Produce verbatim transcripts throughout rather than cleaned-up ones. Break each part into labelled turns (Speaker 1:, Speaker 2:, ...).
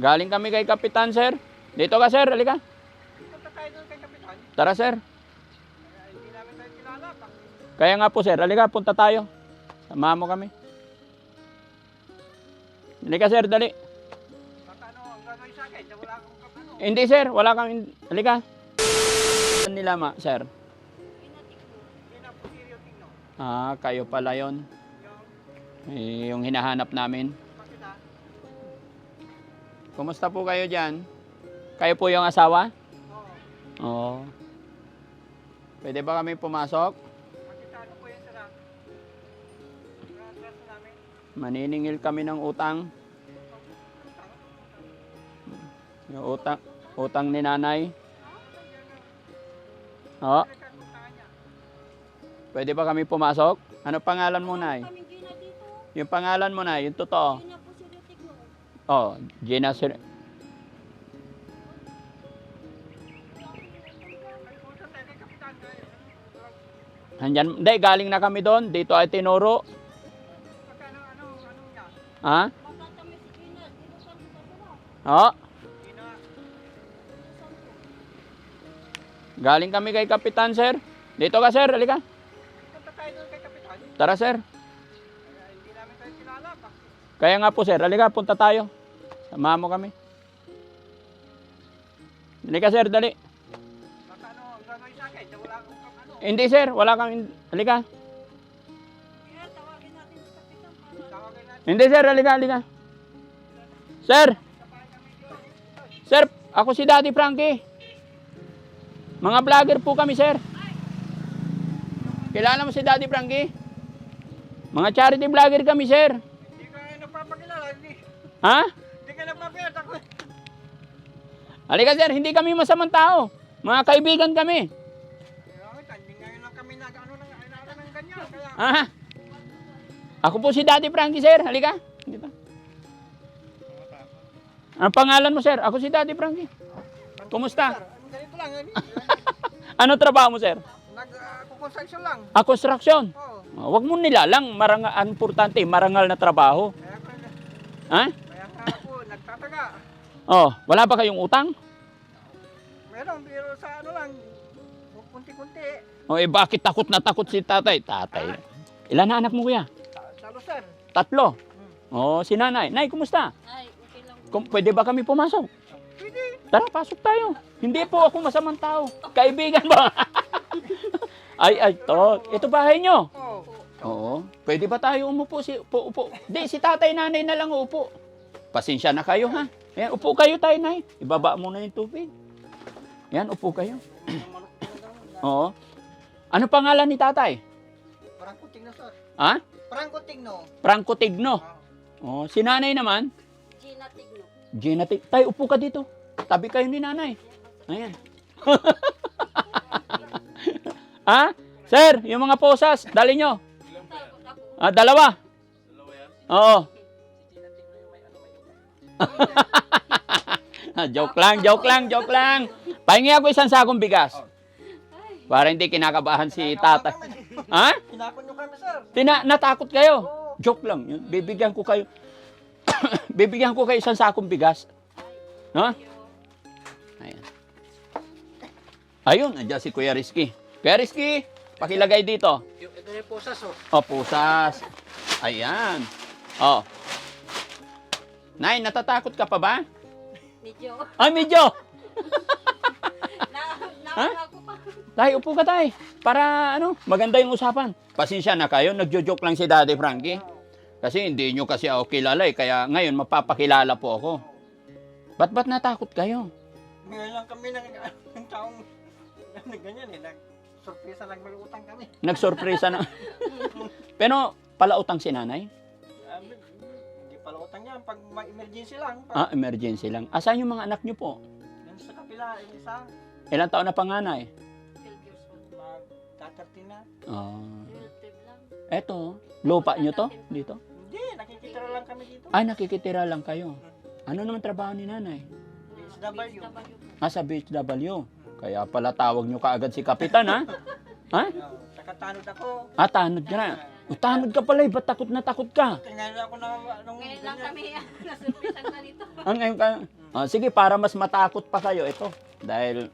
Speaker 1: Galing kami kay Kapitan, sir. Dito ka, sir. Halika.
Speaker 2: Punta tayo doon kay Kapitan.
Speaker 1: Tara, sir.
Speaker 2: Kaya hindi namin tayo kilala. Bak-
Speaker 1: Kaya nga po, sir. Halika, punta tayo. Samahan mo kami. Halika, sir. Dali.
Speaker 2: Baka ano, ang gagawin sa akin, wala akong kap- ano.
Speaker 1: Hindi, sir. Wala kang... Halika. Ano nila, ma, sir?
Speaker 2: Hindi na po seryo tingno.
Speaker 1: Ah, kayo pala yon.
Speaker 2: Yung,
Speaker 1: Eh, yung hinahanap namin.
Speaker 2: bakit ah?
Speaker 1: Kumusta po kayo dyan? Kayo po yung asawa?
Speaker 2: Oo.
Speaker 1: Oo. Pwede ba kami pumasok?
Speaker 2: Bakit ano po yung sara? Nakatraso namin.
Speaker 1: Maniningil kami ng utang. Yung utang, utang ni nanay. Oo.
Speaker 2: Pinagkakuntaan niya.
Speaker 1: Pwede ba kami pumasok? Ano pangalan mo, nay?
Speaker 3: Kaming Gina dito.
Speaker 1: Yung pangalan mo, nay, yung totoo.
Speaker 3: Gina po si Retigno.
Speaker 1: Oh, Gina Sir.
Speaker 2: Nagpunta tayo kay Kapitan. Kaya,
Speaker 1: Handyan, hindi, galing na kami doon. Dito ay tinuro.
Speaker 2: baka ano, ano, ano niya?
Speaker 1: Ha?
Speaker 3: Makatami si Gina. Dito sa Pagkawa.
Speaker 1: Oo.
Speaker 2: Hindi na.
Speaker 1: Galing kami kay Kapitan, sir. Dito ka, sir. Halika.
Speaker 2: Punta tayo doon kay Kapitan.
Speaker 1: Tara, sir.
Speaker 2: Kaya hindi namin tayo kilala. Bak-
Speaker 1: Kaya nga po, sir. Halika, punta tayo. Samahan mo kami. Halika, sir. Dali.
Speaker 2: Baka ano, ang gagawin sa akin, wala akong kap- ano.
Speaker 1: Hindi, sir. Wala kang... Halika.
Speaker 3: Kaya tawagin natin si Kapitan para
Speaker 2: Tawagin natin.
Speaker 1: Hindi, sir. Halika, halika. Sir.
Speaker 2: Sabay kami dito.
Speaker 1: Sir, ako si Daddy Frankie. Mga vlogger po kami, sir. Kilala mo si Daddy Frankie? Mga charity vlogger kami, sir.
Speaker 2: Hindi ka nagpapakilala. Hindi,
Speaker 1: Ha?
Speaker 2: hindi ka nagpapakilala. Ako.
Speaker 1: Halika, sir. Hindi kami masamang tao. Mga kaibigan kami.
Speaker 2: Kaya hindi ngayon lang kami nag ano nang ano ng ganyan. Kaya
Speaker 1: Ha? Ako po si Daddy Frankie, sir. Halika. Dito. Ang pangalan mo, sir? Ako si Daddy Frankie. Kumusta?
Speaker 2: Sir, ano, ganito lang. Ano,
Speaker 1: Ano trabaho mo, sir?
Speaker 2: nag-construction lang.
Speaker 1: Ah, construction.
Speaker 2: Oo.
Speaker 1: Ah, Huwag mo nilalang. Maranga, ang importante, marangal na trabaho.
Speaker 2: Kaya ko,
Speaker 1: Ha?
Speaker 2: kaya nga ako nagtataga.
Speaker 1: Oh, wala ba kayong utang?
Speaker 2: Meron, pero sa ano lang, kunti-kunti.
Speaker 1: O eh, bakit takot na takot si tatay? Tatay. Ilan na anak mo, kuya?
Speaker 2: Sa- Salo sir.
Speaker 1: Tatlo.
Speaker 2: Hmm.
Speaker 1: Oh, si nanay. Nay, kumusta?
Speaker 3: ay okay lang.
Speaker 1: Kung, pwede ba kami pumasok?
Speaker 2: Pwede.
Speaker 1: Tara, pasok tayo. Hindi po ako masamang tao. Kaibigan ba? ay, ay, to. Ito bahay nyo.
Speaker 2: Oo.
Speaker 1: Oo. Pwede ba tayo umupo? Si, upo, upo. Di, si tatay, nanay na lang upo. Pasensya na kayo, ha? Ayan, upo kayo tayo, nay. Ibaba mo na yung tubig. Yan, upo kayo. Oo. Ano pangalan ni tatay?
Speaker 2: Parang kuting na sir.
Speaker 1: Ha?
Speaker 2: Parang kuting no.
Speaker 1: Franco Tigno. Oh, si nanay naman,
Speaker 3: Gina Tigno.
Speaker 1: Gina Tig... Tay, upo ka dito. Tabi kayo ni nanay. Ayan. Ha? Sir, yung mga posas, dali nyo.
Speaker 3: Takot ako.
Speaker 1: Ah, dalawa. Dalawa yan? Oo. joke lang, joke lang, joke lang. Pahingi ako isang sakong bigas. Para hindi kinakabahan si tatay. Ha?
Speaker 2: Pinakon nyo kami sir.
Speaker 1: Tina, natakot kayo. Joke lang. Yun. Bibigyan ko kayo. Bibigyan ko kayo isang sakong bigas. No? Ayan. Ayun, andyan si Kuya Rizky. Kuya Rizky, pakilagay dito.
Speaker 2: Yung, ito yung posas oh.
Speaker 1: O, pusas. Ayan. O. Nay, natatakot ka pa ba?
Speaker 3: Medyo.
Speaker 1: Ay, medyo.
Speaker 3: Na, na,
Speaker 1: Ha?
Speaker 3: ako pa.
Speaker 1: Tay, upo ka tay. Para ano, maganda yung usapan. Pasensya na kayo, nagjo-joke lang si Daddy Frankie. Kasi hindi nyo kasi ako kilala eh. Kaya ngayon, mapapakilala po ako. Ba't ba't natakot kayo?
Speaker 2: Ngayon lang kami ng, ng taong na ganyan eh. Nag-surpresa lang mag-utang kami.
Speaker 1: Nagsorpresa na. Pero, palautang si nanay?
Speaker 2: Ah, hindi pala utang yan. Pag may emergency lang. Pag,
Speaker 1: Ah, emergency lang. Asan yung mga anak nyo po?
Speaker 2: Yan sa kapila, yung isa,
Speaker 1: Ilang taon na panganay?
Speaker 3: twelve years old.
Speaker 2: mag-tatartin na.
Speaker 1: Ah.
Speaker 3: Relative lang.
Speaker 1: Eto, lupa nyo to? Dito?
Speaker 2: Hindi, nakikitira lang kami dito.
Speaker 1: Ay, nakikitira lang kayo. Ano naman trabaho ni nanay?
Speaker 3: Na
Speaker 2: S W.
Speaker 3: B S W po.
Speaker 1: Ah, sa B H W. Kaya pala tawag nyo kaagad si Kapitan, ha? Ha?
Speaker 2: Oh, sa katanod ako.
Speaker 1: Ah, tanod ka na. Utanod ka pala, eh. Ba't takot na takot ka?
Speaker 2: Tingnan ako na nung
Speaker 3: Ngayon lang
Speaker 2: ganyan.
Speaker 3: kami nasurprisan na nito.
Speaker 1: Ang ngayon ka. Ah, sige, para mas matakot pa kayo ito. Dahil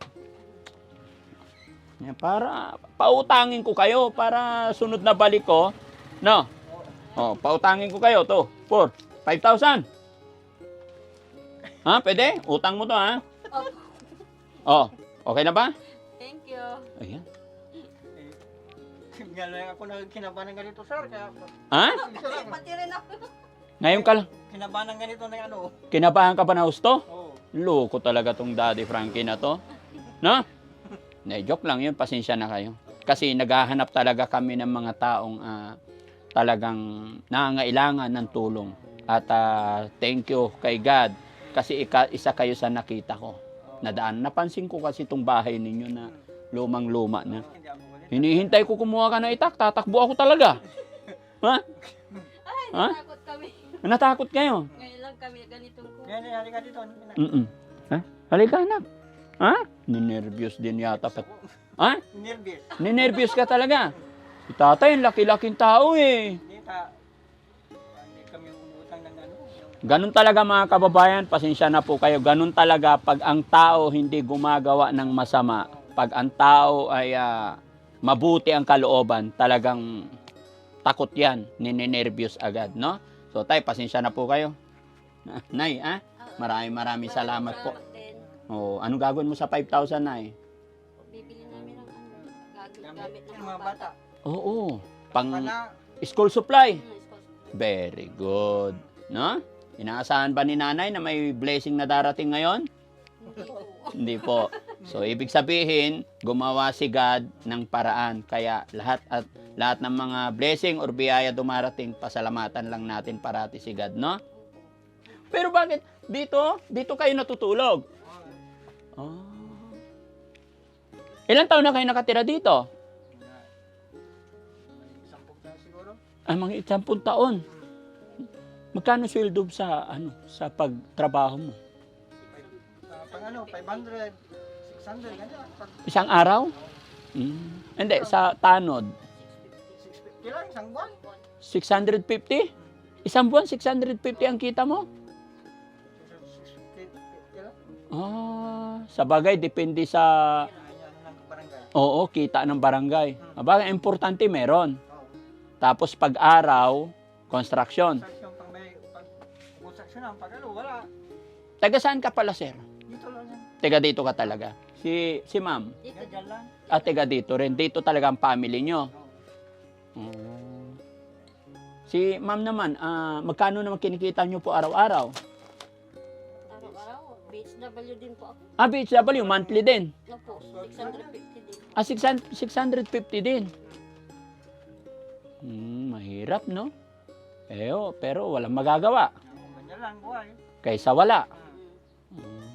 Speaker 1: yan, para pautangin ko kayo para sunod na balik ko. No? Oh, pautangin ko kayo to. For five thousand. Ha, pwede? Utang mo to, ha?
Speaker 3: Oh,
Speaker 1: Oh, okay na ba?
Speaker 3: thank you.
Speaker 1: Ayan.
Speaker 2: Tingnan lang ako na kinabahan ng ganito, sir. Kaya
Speaker 1: Ha?
Speaker 2: gusto lang.
Speaker 3: Pati rin ako.
Speaker 1: Ngayon ka lang.
Speaker 2: Kinabahan ng ganito na ano.
Speaker 1: Kinabahan ka ba na husto?
Speaker 2: Oo.
Speaker 1: Loko talaga tong Daddy Frankie na to. No? Ne, joke lang yun. Pasensya na kayo. Kasi naghahanap talaga kami ng mga taong ah, talagang nangangailangan ng tulong. At ah, thank you kay God. Kasi ika, isa kayo sa nakita ko. Nadaan. Napansin ko kasi itong bahay ninyo na lumang-luma na.
Speaker 2: Hindi ako galit.
Speaker 1: Hinihintay ko kumuha ka ng itak. Tatakbo ako talaga. Ha?
Speaker 3: Ay,
Speaker 1: Ha?
Speaker 3: natakot kami.
Speaker 1: Natakot kayo?
Speaker 3: Ngayon lang kami ganitong ko.
Speaker 2: Yan, yan, halika dito.
Speaker 1: Mm-mm. Ha? Halika, anak. Ha? Ninervyos din yata. Pat- ha?
Speaker 2: Nervous.
Speaker 1: Ninervyos ka talaga. Si tatay, ang laki-laking tao eh.
Speaker 2: Hindi ka. Hindi kami umutang ng ano. yung-
Speaker 1: Ganun talaga mga kababayan, pasensya na po kayo. Ganun talaga pag ang tao hindi gumagawa ng masama. Pag ang tao ay ah, mabuti ang kalooban, talagang takot yan. Ninenervyos agad, no? So tay, pasensya na po kayo. Nay, ha? Maraming maraming salamat po.
Speaker 3: din.
Speaker 1: Oh, anong gagawin mo sa five thousand, Nay?
Speaker 3: Bibili namin ng ano, gag-
Speaker 2: Gamit
Speaker 3: gamit ng
Speaker 2: ng mga bata.
Speaker 1: Oo, pang
Speaker 2: Pana,
Speaker 1: school supply.
Speaker 3: Hmm, school.
Speaker 1: Very good. No? Inaasahan ba ni nanay na may blessing na darating ngayon?
Speaker 3: Hindi po.
Speaker 1: Hindi po. So, ibig sabihin, gumawa si God ng paraan. Kaya lahat at lahat ng mga blessing or biyaya dumarating, pasalamatan lang natin parati si God, no? Pero bakit dito? Dito kayo natutulog? Oh. Ilang taon na kayo nakatira dito?
Speaker 2: isang pugta siguro.
Speaker 1: Ah, mga isampung taon. Magkano sweldo sa ano sa pagtrabaho mo?
Speaker 2: Ah, pang ano, five hundred, six hundred, ganyan. Pag
Speaker 1: Isang araw? Mm. Hindi, sa tanod.
Speaker 2: six fifty lang, isang buwan.
Speaker 1: six hundred fifty? Isang buwan, six hundred fifty ang kita mo?
Speaker 2: six fifty lang.
Speaker 1: Ah, sa bagay, depende sa,
Speaker 2: Ganyan ng barangay.
Speaker 1: oo, kita ng barangay. Abagay, importante meron.
Speaker 2: Oo.
Speaker 1: Tapos pag-araw, construction.
Speaker 2: Construction, pag may, pag construction ang pag ano, wala.
Speaker 1: Taga saan ka pala, sir?
Speaker 2: Dito lang yan.
Speaker 1: Taga dito ka talaga. Si, si ma'am,
Speaker 3: Dito.
Speaker 2: Yan, dyan lang.
Speaker 1: at taga dito rin. Dito talaga ang family nyo.
Speaker 2: Oo.
Speaker 1: Oh. Si ma'am naman, ah, magkano naman kinikita nyo po araw-araw?
Speaker 3: Araw-araw, B H W din po ako.
Speaker 1: Ah, B H W, monthly din.
Speaker 3: No po, six hundred fifty din.
Speaker 1: Ah, six hundred, six hundred fifty din. Hmm, mahirap, no? Eh, oh, pero walang magagawa.
Speaker 2: Oo, ganyan lang, buhay.
Speaker 1: Kaysa wala.
Speaker 2: Ah.
Speaker 1: Hmm.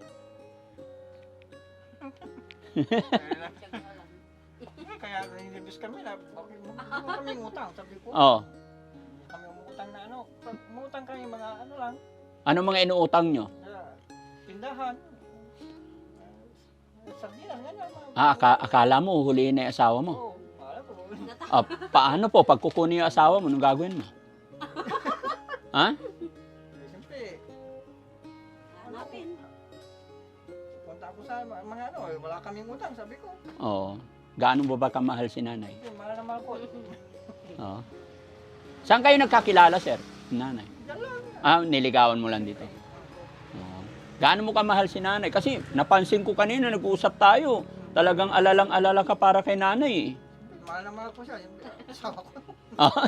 Speaker 2: Kaya lang.
Speaker 3: Tiyaga lang.
Speaker 2: Eh, Kaya nilibis kami na, bakit mo mo kami ngutang? Sabi ko,
Speaker 1: Oh,
Speaker 2: kami umutang na ano, pag umutang kami mga ano lang,
Speaker 1: ano mga inuutang nyo?
Speaker 2: sa tindahan, uh, sardinas, ganyan. mga-
Speaker 1: Ah, aka- akala mo, huliin na yung asawa mo.
Speaker 2: Oo, akala ko.
Speaker 1: Ah, paano po, pag kukunin yung asawa mo, anong gagawin mo? Ha?
Speaker 2: Eh, Siyempre,
Speaker 3: Hanapin.
Speaker 2: punta ako sa mga, mga ano, eh, wala kaming utang, sabi ko.
Speaker 1: Oo. Gaano ba ba kamahal si nanay?
Speaker 2: Eh, mahal na mahal ko.
Speaker 1: Oo. Saan kayo nagkakilala, sir? Nanay.
Speaker 2: Diyan lang.
Speaker 1: Ah, niligawan mo lang dito. Oo. Gaano mo kamahal si nanay? Kasi napansin ko kanina, nag-uusap tayo. Talagang alalang-alala ka para kay nanay. eh.
Speaker 2: Mahal na mahal ko siya. Yung asawa ko.
Speaker 1: Ah.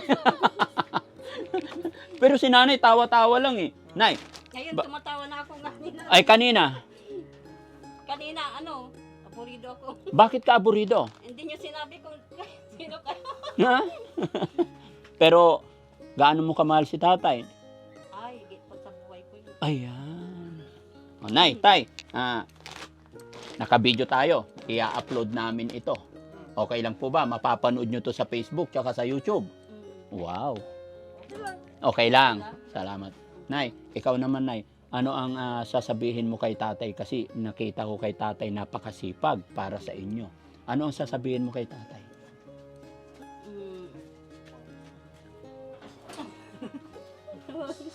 Speaker 1: Pero si nanay, tawa-tawa lang eh. Nay,
Speaker 3: Ngayon,
Speaker 1: Ba-
Speaker 3: tumatawa na ako kanina.
Speaker 1: ay kanina,
Speaker 3: Kanina, ano, aburido ako.
Speaker 1: bakit ka aburido?
Speaker 3: Hindi niyo sinabi kung sino kayo.
Speaker 1: Ha? Pero, gaano mo kamahal si tatay?
Speaker 3: Ay, higit pa sa buhay ko yun.
Speaker 1: Ayan. O, Nay, tay, ah, naka-video tayo. I-upload namin ito. Okay lang po ba? Mapapanood nyo to sa Facebook tsaka sa YouTube.
Speaker 3: Mm.
Speaker 1: Wow.
Speaker 2: Okay lang.
Speaker 1: Okay lang. Salamat. Nay, ikaw naman, Nay. Ano ang ah, sasabihin mo kay tatay? Kasi nakita ko kay tatay napakasipag para sa inyo. Ano ang sasabihin mo kay tatay?
Speaker 3: Mm.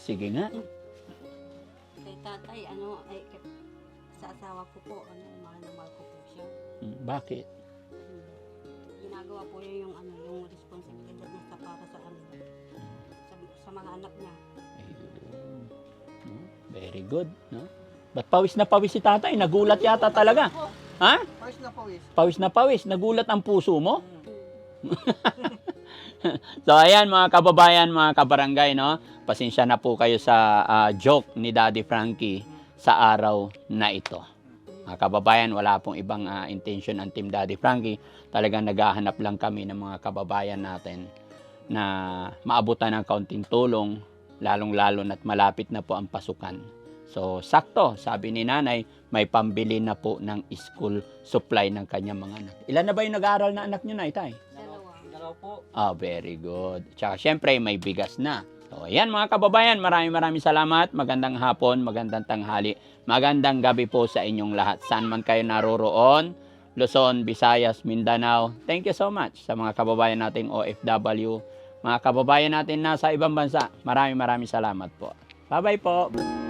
Speaker 1: sige nga.
Speaker 3: Kay tatay, ano, ay, kay- sa asawa ko po, ano, mahal na mahal ko po siya.
Speaker 1: Mm, Bakit?
Speaker 3: Hmm. Ginagawa po niya yung, ano, yung responsibilidad niya sa para sa, ano, sa, sa mga anak niya.
Speaker 1: Ayun. No? Very good, no? Ba't pawis na pawis si tatay? Nagulat yata talaga. Ha?
Speaker 2: Pawis na pawis.
Speaker 1: Pawis na pawis. Nagulat ang puso mo?
Speaker 2: Hmm.
Speaker 1: So ayan mga kababayan, mga kabarangay, no? Pasensya na po kayo sa ah, joke ni Daddy Frankie sa araw na ito. Mga kababayan, wala pong ibang ah, intention ang Team Daddy Frankie. Talagang naghahanap lang kami ng mga kababayan natin na maabutan ng kaunting tulong, lalong-lalo na't malapit na po ang pasukan. So, sakto, sabi ni nanay, may pambili na po ng school supply ng kanyang mga anak. Ilan na ba yung nag-aaral na anak nyo na, Itay?
Speaker 3: Dalawa.
Speaker 2: Dalaw po.
Speaker 1: Ah, very good. Tsaka syempre may bigas na. So, ayan mga kababayan, maraming maraming salamat. Magandang hapon, magandang tanghali, magandang gabi po sa inyong lahat. Saan man kayo naroroon, Luzon, Visayas, Mindanao. Thank you so much sa mga kababayan nating O F W, mga kababayan natin nasa ibang bansa. Maraming maraming salamat po. Bye-bye po.